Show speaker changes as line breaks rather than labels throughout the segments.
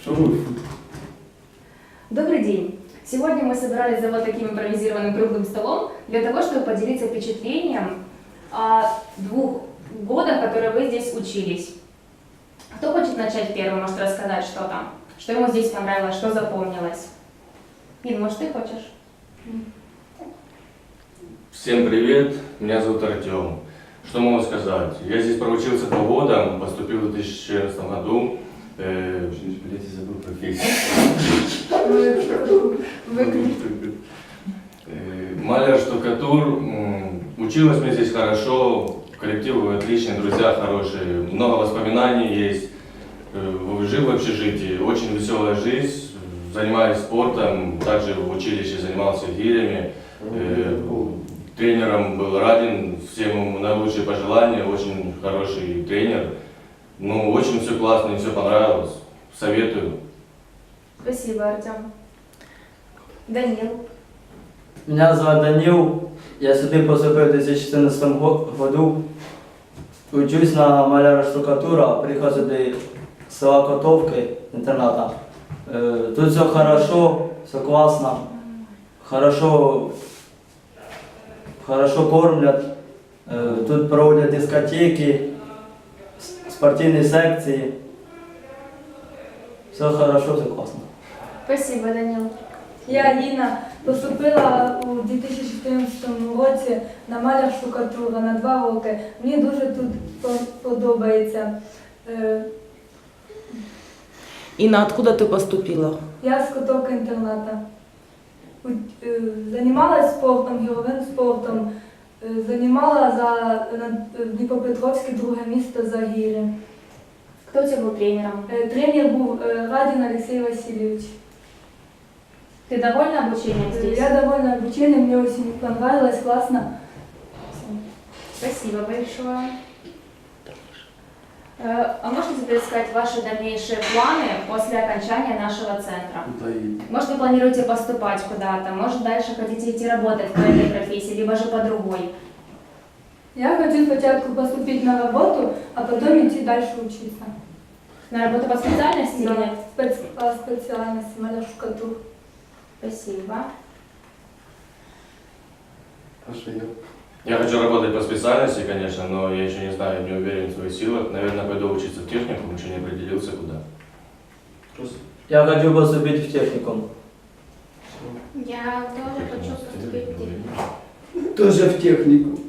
Что вы?
Добрый день! Сегодня мы собирались за вот таким импровизированным круглым столом для того, чтобы поделиться впечатлением о 2 годах, которые вы здесь учились. Кто хочет начать первым, может рассказать, что там? Что ему здесь понравилось, что запомнилось? Ин, может, ты хочешь?
Всем привет, меня зовут Артем. Что могу сказать? Я здесь проучился 2 года, поступил в 2014 году. Блять, я забыл профессию. Маляр-штукатур. Училась мне здесь хорошо, коллектив отличный, друзья хорошие, много воспоминаний есть. Жил в общежитии, очень веселая жизнь, занимаюсь спортом, также в училище занимался гирями. Тренером был Радин, всем ему наилучшие пожелания, очень хороший тренер. Ну, очень все классно, мне все понравилось, советую.
Спасибо, Артем. Данил.
Меня зовут Данил, я сюда поступил в 2014 году. Учусь на маляра-штукатура, прихожу до села Котовки, интерната. Тут все хорошо, все классно, хорошо кормят, тут проводят дискотеки, спортивные секции. Все хорошо, все классно.
Спасибо, Данил.
Я Аліна, поступила у 2014 році на маляр-штукатура на 2 роки. Мені дуже тут подобається.
Инна, откуда ты поступила?
Я з Котовки інтерната. Займалася спортом, гіровим спортом. Займала в Дніпропетровське 2 місце за гірі.
Кто у тебя был тренером?
Тренер був Радін Олексій Васильович.
Ты довольна обучением здесь?
Я довольна обучением, мне очень понравилось, классно.
Спасибо большое. А можете теперь сказать ваши дальнейшие планы после окончания нашего центра? Может, вы планируете поступать куда-то, может, дальше хотите идти работать по этой профессии, либо же по другой?
Я хочу спочатку поступить на работу, а потом идти дальше учиться.
На работу по специальности?
Да,
Или?
по специальности маляр-штукатур.
Спасибо.
Я хочу работать по специальности, конечно, но я еще не знаю, не уверен в своих силах. Наверное, пойду учиться в техникум, еще не определился куда.
Я хочу поступить в техникум.
Я тоже хочу поступить в техникум.
Тоже в технику.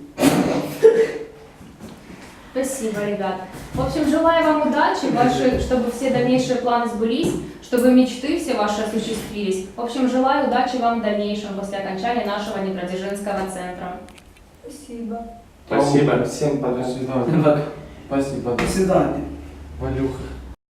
Спасибо, ребят. В общем, желаю вам удачи, чтобы все дальнейшие планы сбылись, чтобы мечты все ваши осуществились. В общем, желаю удачи вам в дальнейшем после окончания нашего Днепродзержинского центра.
Спасибо.
Спасибо.
Всем пока. До свидания. Спасибо.
До свидания.
Валюха.